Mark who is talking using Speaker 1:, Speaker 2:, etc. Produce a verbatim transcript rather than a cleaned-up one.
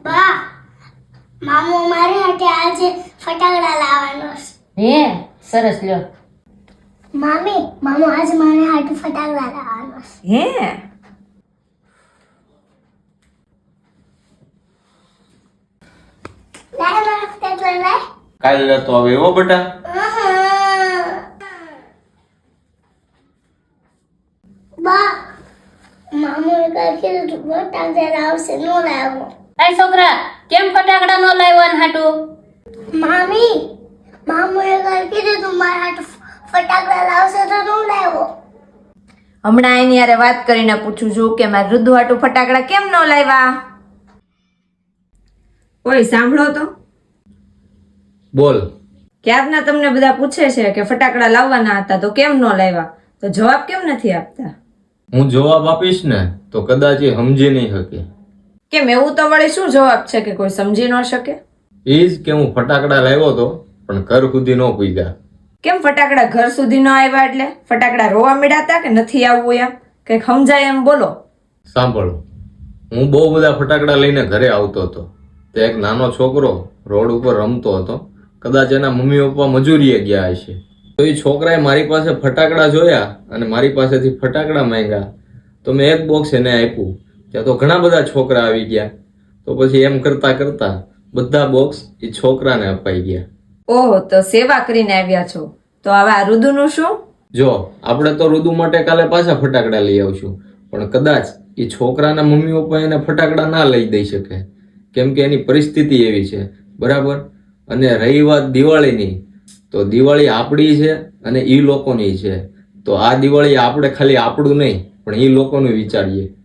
Speaker 1: બા મામો મારે હાટે આજે ફટાકડા લાવવાનો છે.
Speaker 2: હે સરસ લ્યો.
Speaker 1: મામી મામો આજે મારે હાટે ફટાકડા લાવવાનો છે.
Speaker 3: હે
Speaker 1: લાય મારા ફટાકડા લાય.
Speaker 4: કાલે લેતો આવે એવો બેટા.
Speaker 1: બા મામોએ કાંઈ કીધું તું ફટાકડા લાવશે નો લાવ્યો.
Speaker 2: આ છોકરા કેમ ફટાકડા નો લાવ્યો ને હાટુ?
Speaker 1: મામી મામોએ કાંઈ કીધું તું મારા હાટે ફટાકડા લાવશે તો નો લાવ્યો.
Speaker 3: હમણાં એની યારે વાત કરીને પૂછું છું કે મારે રુદ્ધુ હાટુ ફટાકડા કેમ ન લાવ્યા? ઓય સાંભળો તો,
Speaker 4: બોલ.
Speaker 3: ક્યારના તમને બધા પૂછે છે કે ફટાકડા લાવવાના હતા તો કેમ ન લાવ્યા, તો જવાબ કેમ નથી આપતા?
Speaker 4: હું જવાબ આપીશ ને તો કદાચ એ સમજી નહીં શકે.
Speaker 3: કેમ એવું તો વળી શું જવાબ છે કે કોઈ સમજી ન શકે?
Speaker 4: એ જ કે હું ફટાકડા લાવ્યો તો પણ ઘર સુધી ન પૂગ્યા.
Speaker 3: કેમ ફટાકડા ઘર સુધી ન આવ્યા એટલે ફટાકડા રોવા મળ્યા કે નથી આવવું એમ કઈક સમજાય એમ બોલો.
Speaker 4: સાંભળો, હું બહુ બધા ફટાકડા લઈને ઘરે આવતો હતો. તે એક નાનો છોકરો રોડ ઉપર રમતો હતો. કદાચ એના મમ્મી પપ્પા મજૂરીએ ગયા હશે. તો એ છોકરાએ મારી પાસે ફટાકડા જોયા અને મારી પાસેથી ફટાકડા માંગ્યા. તો મેં એક બોક્સ એને આપ્યું. ત્યાં તો ઘણા બધા છોકરા આવી ગયા. તો પછી એમ કરતા કરતા બધા બોક્સ એ છોકરાને અપાઈ ગયા.
Speaker 3: ઓહો, તો સેવા કરીને આવ્યા છો. તો હવે આ રુદુનું શું?
Speaker 4: જો આપણે તો રુદુ માટે કાલે પાછા ફટાકડા લઈ આવશું, પણ કદાચ એ છોકરાના મમ્મી પપ્પા એને ફટાકડા ના લઈ દઈ શકે, કેમ કે એની પરિસ્થિતિ એવી છે, બરાબર. અને રહી વાત દિવાળીની, તો દિવાળી આપણી છે અને એ લોકોની છે. તો આ દિવાળી આપણે ખાલી આપણું નહીં પણ એ લોકોનું વિચારીએ.